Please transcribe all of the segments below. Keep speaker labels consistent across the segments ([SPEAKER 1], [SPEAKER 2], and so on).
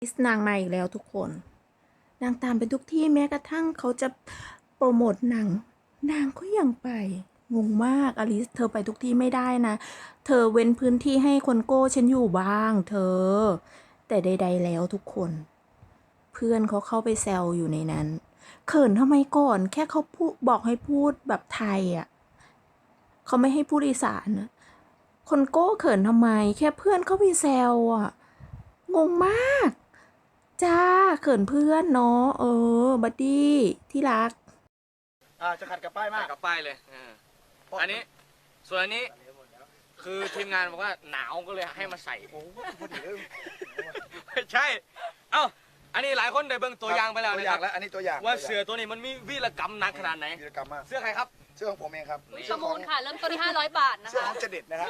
[SPEAKER 1] ลิสนางมาอีกแล้วทุกคนนางตามไปทุกที่แม้กระทั่งเขาจะโปรโมทหนังนางก็ยังไปงงมากอลิสเธอไปทุกที่ไม่ได้นะเธอเว้นพื้นที่ให้คนโก้ฉันอยู่บ้างเธอแต่ใดๆแล้วทุกคนเพื่อนเขาเข้าไปแซวอยู่ในนั้นเขินทำไมก่อนแค่เขาพูดบอกให้พูดแบบไทยอ่ะเขาไม่ให้พูดอีสานนะคนโก้เขินทำไมแค่เพื่อนเขาไปแซวอ่ะงงมากจ้าเขินเพื่อนเนาะบัดดี้ที่รัก
[SPEAKER 2] จะขัดกับป้ายมาก
[SPEAKER 3] กับป้ายเลยอันนี้ส่วนอันนี้คือทีมงานบอกว่าหนาวก็เลยให้มาใส่
[SPEAKER 2] โอ้พอดีเลย
[SPEAKER 3] ไม่ใช่ เอ้าอันนี้หลายคนได้เบิ่งตัวอย่างไปแล้ว
[SPEAKER 2] ตัว
[SPEAKER 3] นะ
[SPEAKER 2] อ
[SPEAKER 3] ค
[SPEAKER 2] ย่า
[SPEAKER 3] รั
[SPEAKER 2] ง
[SPEAKER 3] บ
[SPEAKER 2] แล้วอันนี้ตัวอย่าง
[SPEAKER 3] ว่าเสือตัวนี้มันมีวีรกรรมหนักขนาดไหน
[SPEAKER 2] กิจกรรมมาก
[SPEAKER 3] เสื้อใครครับ
[SPEAKER 2] เสื้อของผมเองครับ
[SPEAKER 4] ประมูลค่ะ เริ่มต้นที่500 บาทนะ
[SPEAKER 2] เสื้อ
[SPEAKER 4] คะ
[SPEAKER 2] ของเจเด็ดนะครับ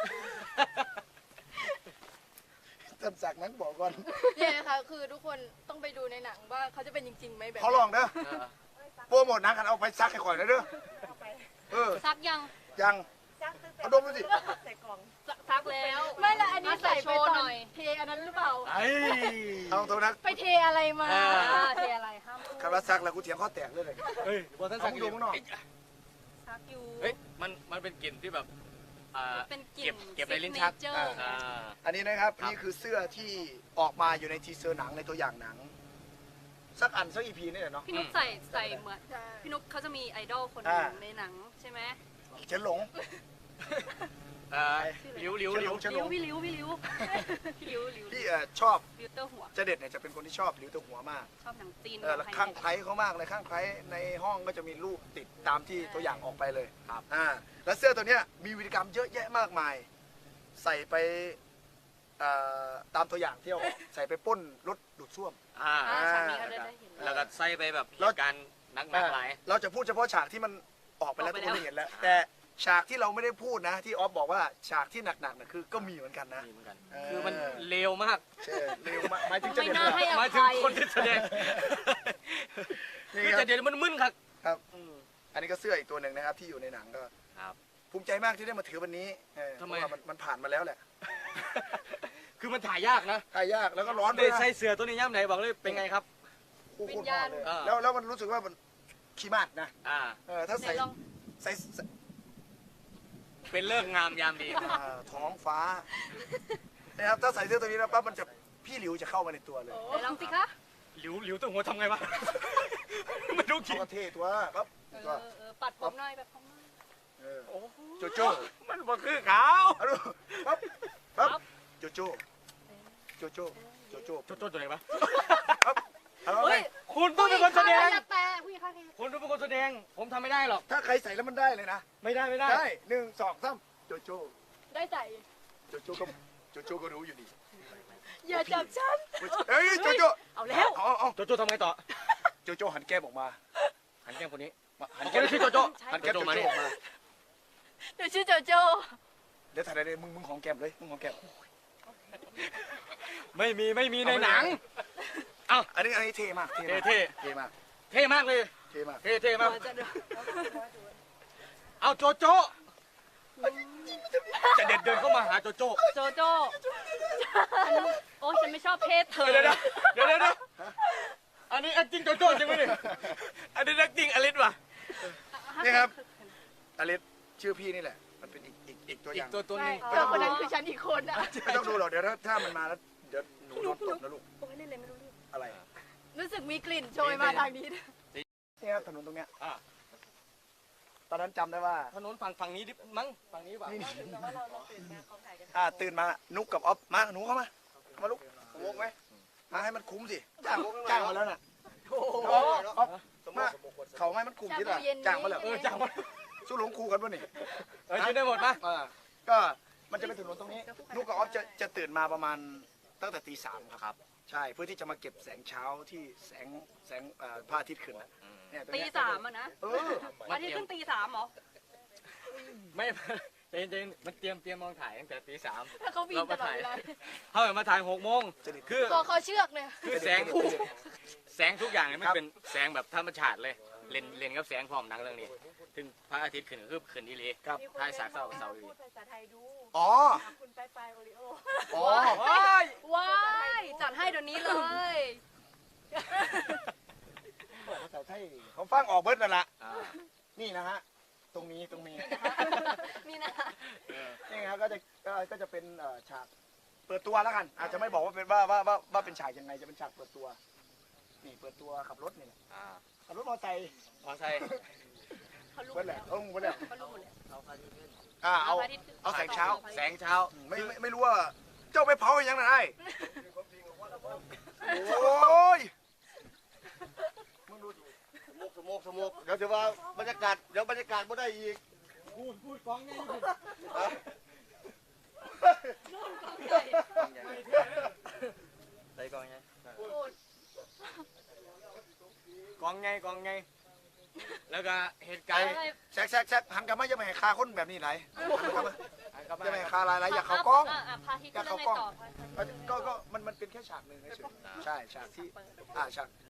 [SPEAKER 2] ท่านศักดิ์นั้นบอกก่อน
[SPEAKER 4] เนี่ยนะคะคือทุกคนต้องไปดูในหนังว่าเขาจะเป็นจริงๆไหมแบบ
[SPEAKER 2] เขาลองเด้อโปรโมทหนังกันเอาไปซักให้ข่อยนะเด้อ
[SPEAKER 4] ซักยัง
[SPEAKER 2] ยังเอาดมดูสิ
[SPEAKER 4] ซักแล้ว ไม่ละอันนี้ใส่ไปตอนเทอันนั้นหรือเปล่า
[SPEAKER 2] เอาตัวนัก
[SPEAKER 4] ไปเทอะไรมาเทอะไรห้ามพูด
[SPEAKER 2] คำว่าซักแล้วกูเถียงข้อแตกเลย
[SPEAKER 3] เฮ้ยบอท่านสั่ง
[SPEAKER 2] เอาดูข้างนอก
[SPEAKER 4] ซักอยู่
[SPEAKER 3] เฮ้ยมันเป็นกลิ่นที่แบบ
[SPEAKER 4] เป็นกลิ่น
[SPEAKER 3] เก็บในลิ้นชัก
[SPEAKER 4] signature
[SPEAKER 2] อันนี้นะครับ
[SPEAKER 3] ครับ
[SPEAKER 2] นี่คือเสื้อที่ออกมาอยู่ในทีเซอร์หนังในตัวอย่างหนัง สักอันสักอีพีนี่แหละเนาะ
[SPEAKER 4] พี่นุ๊กใส่เหมือนพี่นุ๊กเขาจะมีไอดอลคนหนึงในหนังใช่ไหม
[SPEAKER 2] เฉินหลง
[SPEAKER 3] หลิว
[SPEAKER 2] เฉินหลง
[SPEAKER 4] พี่ลิ้วพี่ลิ้ว
[SPEAKER 2] พี่ชอบ
[SPEAKER 4] ฟิลเตอร์หัว
[SPEAKER 2] เจเด็ดเนี่ยจะเป็นคนที่ชอบหลิวตัวหัวมาก
[SPEAKER 4] ชอบหนังจีน
[SPEAKER 2] แล้วข้างไคล้เขามากเลยข้างไคล้ในห้องก็จะมีรูปติดตามที่ตัวอย่างออกไปเลย
[SPEAKER 3] ครับ
[SPEAKER 2] แล้วเสื้อตัวเนี้ยมีวิธีกรรมเยอะแยะมากมาย ใส่ไปตามตัวอย่างที่เอาออกใส่ไปปล้นรถดูดซ่วม
[SPEAKER 4] ฉากนี้เขาได้เห็น
[SPEAKER 3] แล้วก็ใส่ไปแบบเหตุการณ์หนักหลาย
[SPEAKER 2] เราจะพูดเฉพาะฉากที่มันออกไปแล้วทุกคนได้เห็นแล้ว แต่ฉากที่เราไม่ได้พูดนะที่ออฟบอกว่าฉากที่หนักๆนะคือก็มีเหมือนกันนะ
[SPEAKER 3] มีเหมือนกัน
[SPEAKER 2] เออ
[SPEAKER 3] คือมันเลวมาก
[SPEAKER 2] ใช่เร็วมากหมายถึงเจ
[SPEAKER 4] ไม่
[SPEAKER 2] เด็ด
[SPEAKER 4] น่าให้อ
[SPEAKER 3] หมายถึ
[SPEAKER 4] ภั
[SPEAKER 3] ง
[SPEAKER 4] ย
[SPEAKER 3] คนที่แสดง
[SPEAKER 2] นี่
[SPEAKER 3] คือ
[SPEAKER 2] ค
[SPEAKER 3] จะ
[SPEAKER 2] รับ
[SPEAKER 3] เดี๋ยวมันมึนครับ
[SPEAKER 2] ครับ อันนี้ก็เสื้ออีกตัวหนึ่งนะครับที่อยู่ในหนังก็
[SPEAKER 3] ครับ
[SPEAKER 2] ภูมิใจมากที่ได้มาถือวันนี้เพ
[SPEAKER 3] ทำไม
[SPEAKER 2] ราะว่ามันผ่านมาแล้วแหละ
[SPEAKER 3] คือมันถ่ายยากนะ
[SPEAKER 2] ถ่ายยากแล้วก็ร้อนด้
[SPEAKER 3] ได้
[SPEAKER 2] วยนะ
[SPEAKER 3] ใส่เสือตัวนี้ย่ำไหนบอกเลยเป็นไงครับ
[SPEAKER 2] โอ้โหโคตรร้อนเลย
[SPEAKER 3] อ่า
[SPEAKER 2] แล้วมันรู้สึกว่ามันขี้มาดนะ ถ้า
[SPEAKER 4] ไหน
[SPEAKER 2] ใส่
[SPEAKER 4] ลอง
[SPEAKER 2] ใส่
[SPEAKER 3] เป็นเลิกงามยามดี
[SPEAKER 2] ท้องฟ้านะครับถ้าใส่เสื้อตัวนี้แล้วปั๊บมันจะพี่หลิวจะเข้ามาในตัวเลย
[SPEAKER 4] ไหนลองสิคะ
[SPEAKER 3] หลิวตัวหัวทำไงวะมันดู
[SPEAKER 2] เขา
[SPEAKER 3] ขิง
[SPEAKER 2] ก็เท่ตัวปั๊บตัว
[SPEAKER 4] ปัดผมหน่อยแบบผมหน่อย
[SPEAKER 2] เออ
[SPEAKER 3] โอ้โห
[SPEAKER 2] โจโจ้
[SPEAKER 3] มันบ่คือขาว
[SPEAKER 2] เอาดูปั๊บปั๊บโจโจ้โจโจ้โจโจ้
[SPEAKER 3] โจโจ้ตัวไหนวะ
[SPEAKER 2] ปั๊บเอา
[SPEAKER 4] เฮ้
[SPEAKER 2] ไว้
[SPEAKER 4] ย
[SPEAKER 3] คุณต้องเป็นคนแสดง
[SPEAKER 4] แต่ผู้หญิงข้าง
[SPEAKER 3] คุณต้องเป็นคนแสดง ผมทำไม่ได้หรอก
[SPEAKER 2] ถ้าใครใส่แล้วมันได้เลยนะ
[SPEAKER 3] ไม่ได้
[SPEAKER 2] ได้1 2 3โจโจ้
[SPEAKER 4] ได้ใจ
[SPEAKER 2] โจโจ้ก็รู้อยู่ดี
[SPEAKER 4] อย่าจับฉัน
[SPEAKER 2] เฮ้ยโจโจ้
[SPEAKER 4] เอาแล้ว
[SPEAKER 2] เอา
[SPEAKER 3] โจโจ้ทำไงต่อ
[SPEAKER 2] โจโจ้หันแก้มออกมา
[SPEAKER 3] หันแก้มคนนี้
[SPEAKER 2] หัน
[SPEAKER 3] คน
[SPEAKER 2] แก้ม
[SPEAKER 3] นี้ชื่อโจโจ้
[SPEAKER 2] หันแก้มโจ
[SPEAKER 3] มา
[SPEAKER 2] โจ้
[SPEAKER 3] นี่
[SPEAKER 2] ออกมา
[SPEAKER 4] เดี๋ยวชื่อโจโจ
[SPEAKER 2] เดี๋ยวถ่ายได้เลยมึงของแก้มเลยมึงของแก้ม
[SPEAKER 3] ไม่มีในหนัง
[SPEAKER 2] อันนี้เท่มาก
[SPEAKER 3] เท่
[SPEAKER 2] เท่มาก
[SPEAKER 3] เท่มากเลย
[SPEAKER 2] เท่มาก
[SPEAKER 3] เท่มาก เอาโจโจ้จะเด็ดเดินเข้ามาหาโจโจ้
[SPEAKER 4] โจโจโอ้ฉันไม่ชอบเพศเธอ
[SPEAKER 3] เดี๋ยวอันนี้จริงโจโจ้จริงไหมเนี่ยอันนี้นักจริงอลิสว่ะ
[SPEAKER 2] นี่ครับอลิสชื่อพี่นี่แหละ มันเป็นอีกตัวอ
[SPEAKER 3] อีก
[SPEAKER 2] ย่าง
[SPEAKER 3] ตัวนึง
[SPEAKER 4] เธอคนนั้นคือฉันอีกคนอ่ะ
[SPEAKER 2] ไม่ต้องดูหรอกเดี๋ยวถ้ามันมาแล้วเดี๋ยวหนูโดนตบนะลูก
[SPEAKER 4] โอ้ยเล่นเลยไม่รู้เรื่อง
[SPEAKER 2] อะไร
[SPEAKER 4] รู้สึกมีกลิ่นโชยมาทางนี้
[SPEAKER 2] นี่ครับถนนตรงเนี้ยตอนนั้นจำได้ว่า
[SPEAKER 3] ถนนฝั่งนี้ดิมั้งฝั่งนี้ป่ะ
[SPEAKER 2] นี่ตื่นมานุกกับออฟมาหนูเข้ามาลูกวกไหมมาให้มันคุ้มสิจ้างมาแล้วน่ะออฟมาเขาให้มันคุ้มที่ละจ้างมาแล้ว
[SPEAKER 3] จ้างมา
[SPEAKER 2] สู้หลงครูกันป่ะนี่
[SPEAKER 3] กินได้หมดปะ
[SPEAKER 2] ก็มันจะเป็นถนนตรงนี้นุกกับออฟจะตื่นมาประมาณตั้งแต่ตี 3ครับใช่เพื่อที่จะมาเก็บแสงเช้าที่แสงพระอาทิตย์ขึ้นเนี่ย
[SPEAKER 4] ตี 3อ่ะนะ
[SPEAKER 3] มั
[SPEAKER 4] อาน ทิตย์ขึ้นตี 3เหรอ
[SPEAKER 3] ไม่เจนมันเตรียมมองถ่ายตั้งแต่ตี 3
[SPEAKER 4] ถ้าเขาบินตลอดเวลา
[SPEAKER 3] เขามาถ่าย6 โมงคือ
[SPEAKER 4] ตัวเขาเชือกเนี่ย
[SPEAKER 3] คือแสงทุกอย่างเนี่ยมันเป็นแสงแบบธรรมชาติเลยเล่นกับแสงพร้อมหนังเรื่องนี้ถึงพระอาทิตย์ขึ้นคือขึ้นอีหลี
[SPEAKER 2] ครับ
[SPEAKER 3] ถ่ายสากเศร้าอีหลี
[SPEAKER 4] พูดภาษาไทยดู
[SPEAKER 2] อ๋อ
[SPEAKER 4] คุณไปโอริโอ
[SPEAKER 2] อ๋อ
[SPEAKER 4] ว้ายจัดให้เดี๋ยวนี้เลย
[SPEAKER 2] ใส่ไทยผมฟังออกเบิร์ดนั่นแหละ
[SPEAKER 3] อ่า
[SPEAKER 2] นี่นะฮะ ตรงนี้
[SPEAKER 4] นี่นะ
[SPEAKER 2] นี่ครับก็จะเป็นฉากเปิดตัวแล้วกัน อาจจะไม่บอกว่าเป็นว่าเป็นฉากยังไง จะเป็นฉากเปิดตัว นี่เปิดตัวขับรถนี่
[SPEAKER 3] อ่า
[SPEAKER 2] ขับรถมอเตอร์ไซค์
[SPEAKER 3] มอไซค์
[SPEAKER 4] เขารู้
[SPEAKER 2] เบิร์ดแหละเบิร์ดแหละ
[SPEAKER 4] เขารู้หมดแล้ว
[SPEAKER 2] เอาแสงเช้า
[SPEAKER 3] แสงเช้า
[SPEAKER 2] ไม่รู้ว่าเจ้าไปเผาอย่างไรโอ้ย
[SPEAKER 5] สมุกเดี๋ยวจะว่าบรรยากาศไม่ได้อีกพูดกองไง
[SPEAKER 3] ใส่กองไง
[SPEAKER 2] กองไง
[SPEAKER 3] แล้วก็เหตุการณ์
[SPEAKER 2] แซกหันกลับมาจะไม่ให้คาคนแบบนี้ไหลจะไม่ให้คาลายอยากเขากล้อง
[SPEAKER 4] พาที่ก็เรื่องในต่อ
[SPEAKER 2] ก็มันเป็นแค่ฉากหนึ่งเฉยๆใช่ฉากที่ฉาก